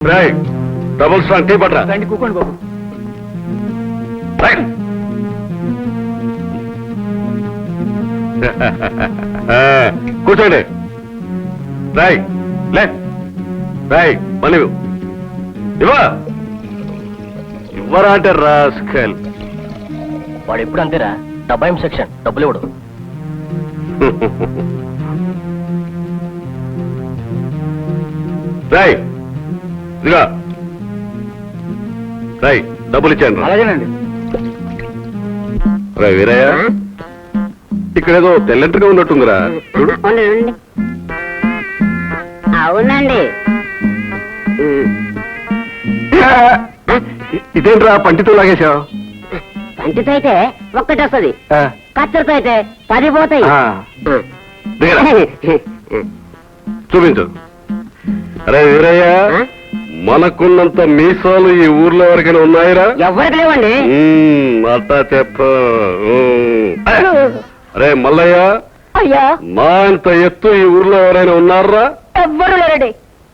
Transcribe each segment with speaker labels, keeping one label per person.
Speaker 1: Double strong tea పట్రా.
Speaker 2: రండి కూకోండి బాబు.
Speaker 1: కూర్చోండి. రాయ్ లే రాయ్ మనీ ఇవ్వరా అంటే రాస్కల్.
Speaker 2: వాడు ఎప్పుడు అంతేరా, డబ్బాయం సెక్షన్, డబ్బులు ఇవ్వడు.
Speaker 1: రాయ్ ఇదిగా రాయ్ డబ్బులు ఇచ్చాను.
Speaker 2: అలాగేనండి.
Speaker 1: రా వీరయ్య, ఇక్కడేదో తెల్లంటగా ఉన్నట్టుందిరా. చూడు.
Speaker 3: అవునండి.
Speaker 1: ఇదేంట్రా పంటితో లాగేశావు?
Speaker 3: పంటితో అయితే ఒక్కటి వస్తుంది, కత్తెరతో అయితే 10 పోతాయి.
Speaker 1: చూపించు. అరే వీరయ్య, మనకున్నంత మీసాలు ఈ ఊర్లో ఎవరికైనా ఉన్నాయిరా?
Speaker 3: ఎవరికి లేవండి.
Speaker 1: అట్టా చెప్ప. అరే మల్లయ్య,
Speaker 3: అయ్యా
Speaker 1: నా ఇంత ఎత్తు ఈ ఊర్లో ఎవరైనా ఉన్నారా?
Speaker 3: ఎవ్వరు లేరండి.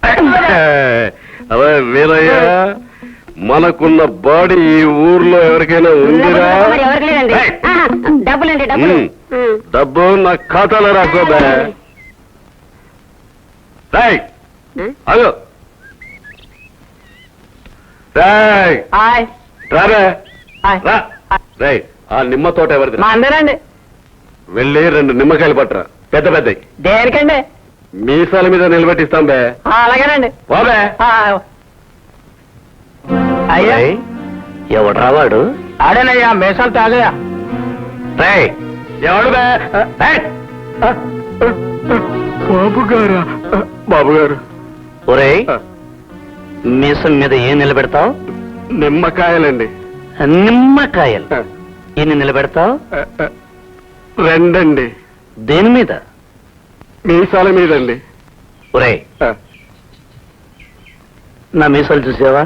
Speaker 1: అదే వీరయ్య, మనకున్న బాడీ ఈ ఊర్లో ఎవరికైనా ఉందిరా?
Speaker 3: ఎవరికి లేదండి. డబ్బులండి, డబ్బులు.
Speaker 1: డబ్బు నా ఖాతాలో రాకోదా? రాయ్ అదో రాయ్ రారా రా. రాయ్ ఆ నిమ్మ తోట ఎవరిది?
Speaker 2: అందరండి.
Speaker 1: వెళ్ళి 2 నిమ్మకాయలు పట్టరా, పెద్ద పెద్దవి.
Speaker 2: దేనికండి?
Speaker 1: మీసాల మీద నిలబెట్టిస్తాం బే.
Speaker 2: అలాగేనండి.
Speaker 1: బాబే.
Speaker 2: అయ్యా
Speaker 1: ఎవడు రావాడు?
Speaker 2: ఆడేనయ్యా, మేసాలు తాగయా.
Speaker 1: రాయ్ ఎవడు బే? బాబు గారు. బాబు గారు.
Speaker 2: ఒరేయ్, మీసం మీద ఏం నిలబెడతావు?
Speaker 1: నిమ్మకాయలండి.
Speaker 2: నిమ్మకాయలు. ఎన్ని నిలబెడతావు?
Speaker 1: 2 అండి.
Speaker 2: దేని మీద?
Speaker 1: మీసాల మీదండి.
Speaker 2: ఒరేయ్, నా మీసాలు చూసావా?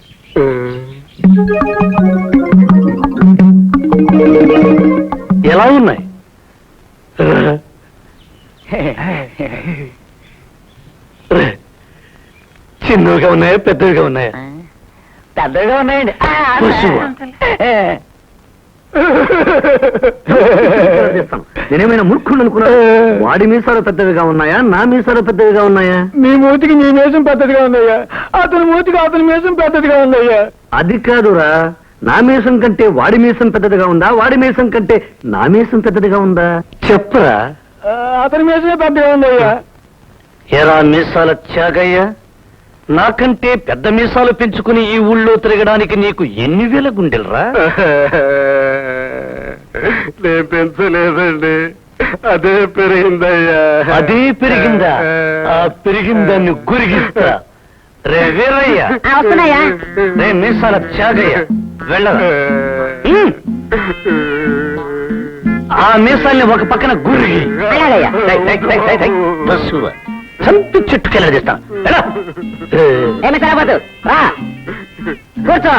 Speaker 2: ఎలా ఉన్నాయి? చిన్నవిగా ఉన్నాయా, పెద్దవిగా ఉన్నాయా? పెద్దవిగా ఉన్నాయండి. నేనేమైనా మూర్ఖుడు అనుకున్నా? వాడి మీసాలు పెద్దవిగా ఉన్నాయా, నా మీసాలు పెద్దవిగా ఉన్నాయా?
Speaker 4: మీ మూతికి నీ మీసం పెద్దదిగా ఉందయ్యా, అతని మూతికి అతని మీసం పెద్దదిగా ఉందయ్యా.
Speaker 2: అది కాదురా, నా మీసం కంటే వాడి మీసం పెద్దదిగా ఉందా, వాడి మీసం కంటే నా మీసం పెద్దదిగా ఉందా? చెప్పరా.
Speaker 4: అతని మీసమే పెద్దగా ఉందయ్యా.
Speaker 2: ఎరా మీసాల త్యాగయ్య, నాకంటే పెద్ద మీసాలు పెంచుకుని ఈ ఊళ్ళో తిరగడానికి నీకు ఎన్ని వేల గుండెలరా?
Speaker 1: నేను పెంచలేదండి, అదే పెరిగిందయ్యా.
Speaker 2: అదే పెరిగిందా? ఆ పెరిగిందాన్ని గురిగిస్తా. రే వీరయ్య,
Speaker 3: వస్తున్నాయా?
Speaker 2: రే మీసాల త్యాగయ్య, వెళ్ళరా. ఆ మీసాల్ని ఒక పక్కన గురిగి చంపి చుట్టుకెళ్ళదీస్తా.
Speaker 3: ఏమి సరిపోతు రా, కూర్చో.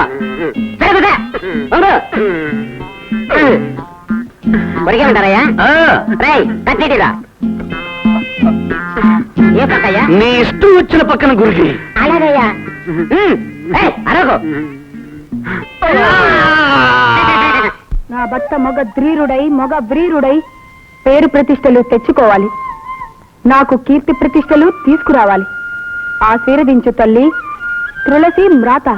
Speaker 3: కొరిగే ఉంటారయ్యా? రై కట్టేటిరా. ఏ పక్కయ్యా?
Speaker 2: నీ ఇష్టం వచ్చిన పక్కన గురిగి.
Speaker 3: అలాగయ్యా. అరగో.
Speaker 5: నా భర్త మగ ధ్రీరుడై మగ వ్రీరుడై పేరు ప్రతిష్టలు తెచ్చుకోవాలి, నాకు కీర్తి ప్రతిష్టలు తీసుకురావాలి. ఆశీర్వదించు తల్లి తులసి మ్రాత.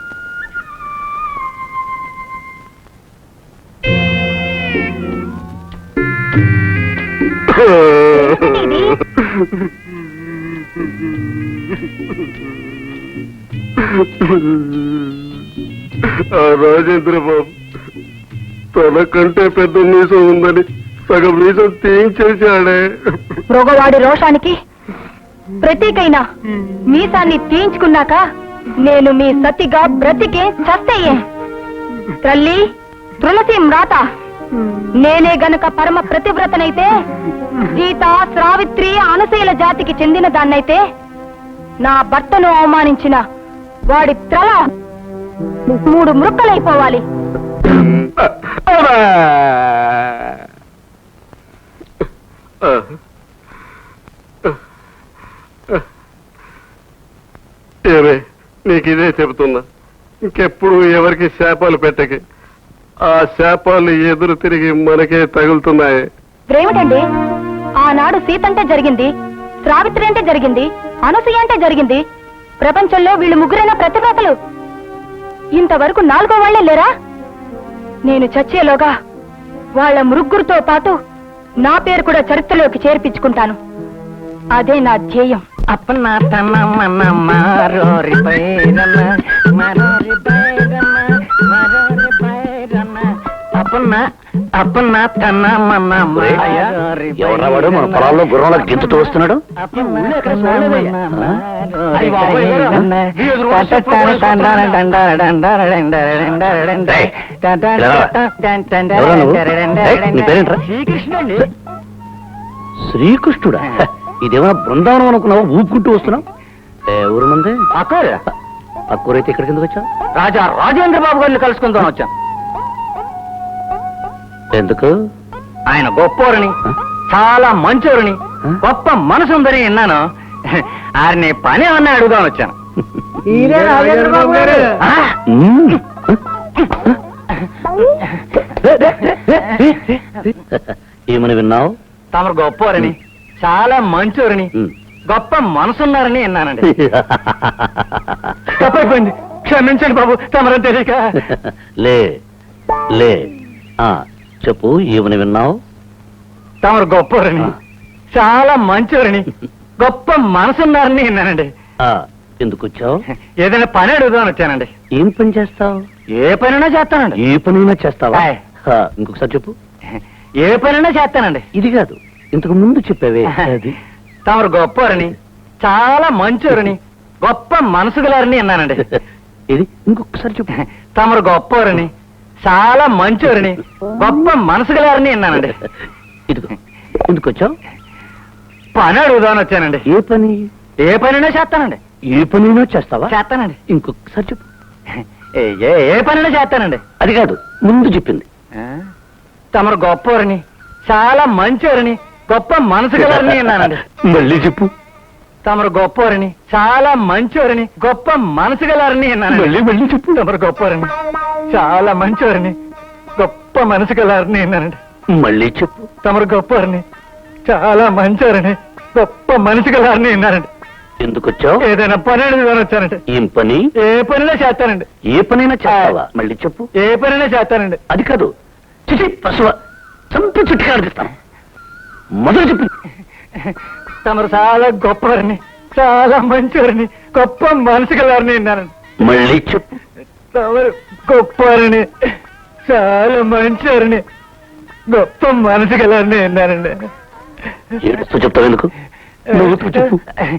Speaker 1: రాజేంద్ర బాబు తనకంటే పెద్ద మీసం ఉందని సగం మీసం తీయించేశాడే.
Speaker 5: మృగవాడి రోషానికి ప్రతీకైన మీసాన్ని తీయించుకున్నాక నేను మీ సతిగా బ్రతికే చస్తయ్యే. తల్లి తులసి మ్రాత, నేనే గనక పరమ ప్రతివ్రతనైతే, సీత శ్రావిత్రి అనశీల జాతికి చెందిన దాన్నైతే, నా భర్తను అవమానించిన వాడి త్రల 3 ముక్కలైపోవాలి.
Speaker 1: ఏమే నీకు ఇదే చెబుతున్నా, ఇంకెప్పుడు ఎవరికి శాపాలు పెట్టకే. ఆ శాపాలు ఎదురు తిరిగి మనకే తగులుతున్నాయి.
Speaker 5: ఇప్పుడేమిటండి, ఆనాడు సీత అంటే జరిగింది, సావిత్రి అంటే జరిగింది, అనసూయ అంటే జరిగింది. ప్రపంచంలో వీళ్ళు ముగ్గురైన ప్రతిభాతలు. ఇంతవరకు 4వ వాళ్లే లేరా? నేను చచ్చేలోగా వాళ్ళ ముగ్గురితో పాటు నా పేరు కూడా చరిత్రలోకి చేర్పించుకుంటాను. అదే నా ధ్యేయం.
Speaker 3: అప్పన్న తన మన మారోరి బైరన్న మారోరి బైరన్న మారోరి బైరన్న అప్పన్న తన మన మారోరి
Speaker 2: ఎవరవాడు మన పొలాల్లో గుర్రంలో గింతుతూ వస్తున్నాడు? నీ పేరేంట్రా?
Speaker 3: శ్రీకృష్ణుడి.
Speaker 2: శ్రీకృష్ణుడా? ఇదేమైనా బృందావనం అనుకున్నావా? ఊపుకుంటూ వస్తున్నావు. ఊరు మంది అక్కూరైతే ఇక్కడికి ఎందుకు వచ్చావు?
Speaker 3: రాజా రాజేంద్ర బాబు గారిని కలుసుకుందాం వచ్చాను.
Speaker 2: ఎందుకు?
Speaker 3: ఆయన గొప్పవారని, చాలా మంచోరని, గొప్ప మనసుందని విన్నాను. ఆయన్ని పని ఏమన్నా అడుగుదామని వచ్చాను. ఆ?
Speaker 2: ఏమని విన్నావు?
Speaker 3: తమరు గొప్పవారని, చాలా మంచోరని, గొప్ప మనసున్నారని విన్నానండి. తప్పైపోయింది, క్షమించండి బాబు, తమరని తెలియక.
Speaker 2: లే లే చెప్పు, ఏమని విన్నావు?
Speaker 3: తమరు గొప్పవారని, చాలా మంచోరని, గొప్ప మనసున్నారని విన్నానండి.
Speaker 2: ఎందుకు వచ్చావు?
Speaker 3: ఏదైనా పని అడుగుదామని వచ్చానండి.
Speaker 2: ఏం పని చేస్తావు?
Speaker 3: ఏ పనైనా చేస్తానండి.
Speaker 2: ఏ పనైనా చేస్తావా?
Speaker 3: ఆయ్.
Speaker 2: ఇంకొకసారి చెప్పు.
Speaker 3: ఏ పనైనా చేస్తానండి.
Speaker 2: ఇది కాదు, ఇంతకు ముందు చెప్పావే అది.
Speaker 3: తమరు గొప్పవారని, చాలా మంచోరని, గొప్ప మనసు గలారని విన్నానండి.
Speaker 2: ఇది ఇంకొకసారి చెప్పు.
Speaker 3: తమరు గొప్పవారని, చాలా మంచోరని, గొప్ప మనసు గలారని విన్నానండి.
Speaker 2: ఇదిగో, ఎందుకు వచ్చావు?
Speaker 3: పని అడుగుదామని వచ్చానండి.
Speaker 2: ఏ పని?
Speaker 3: ఏ పనైనా చేస్తానండి.
Speaker 2: ఏ పనైనా చేస్తావా?
Speaker 3: చేస్తానండి.
Speaker 2: ఇంకొకసారి చెప్పు.
Speaker 3: ఏ పనైనా చేస్తానండి.
Speaker 2: అది కాదు, ముందు చెప్పింది.
Speaker 3: తమరు గొప్పవారని, చాలా మంచోరని, గొప్ప మనసు గలారని విన్నానండి.
Speaker 2: మళ్ళీ చెప్పు.
Speaker 3: తమరు గొప్పవారని, చాలా మంచోరని, గొప్ప మనసు గలారని విన్నానండి.
Speaker 2: మళ్ళీ చెప్పు.
Speaker 3: తమరు గొప్పవారని, చాలా మంచోరని, గొప్ప మనసు గలారని విన్నానండి.
Speaker 2: మళ్ళీ చెప్పు.
Speaker 3: తమరు గొప్పవారని, చాలా మంచోరని, గొప్ప మనసు గలారని విన్నానండి.
Speaker 2: ఎందుకు వచ్చావు?
Speaker 3: ఏదైనా పని అడుగుదామని వచ్చానండి.
Speaker 2: ఏం పని?
Speaker 3: ఏ పనైనా చేస్తానండి.
Speaker 2: ఏ పనైనా చేస్తావా? మళ్ళీ చెప్పు.
Speaker 3: ఏ పనైనా చేస్తానండి.
Speaker 2: అది కాదు, చిచి పశువ చంపి చుట్టుగా అడిగిస్తాను. మొదలు చెప్పు.
Speaker 3: తమరు చాలా గొప్పవారని, చాలా మంచోరని, గొప్ప మనసు గలారని విన్నానండి.
Speaker 2: మళ్ళీ చెప్పు.
Speaker 3: తమరు గొప్పవారని, చాలా మంచోరని, గొప్ప మనసు గలారని విన్నానండి.
Speaker 2: ఏడుస్తూ చెప్తావు ఎందుకు? నవ్వుతూ చెప్పు.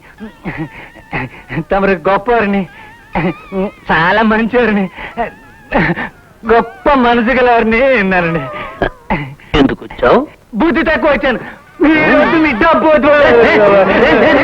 Speaker 3: తమరు గొప్పవారిని, చాలా మంచివారిని, గొప్ప మనసు గలవారిని విన్నారండి.
Speaker 2: ఎందుకు వచ్చావు?
Speaker 3: బుద్ధి తక్కువ వచ్చాను. మీ డబ్బు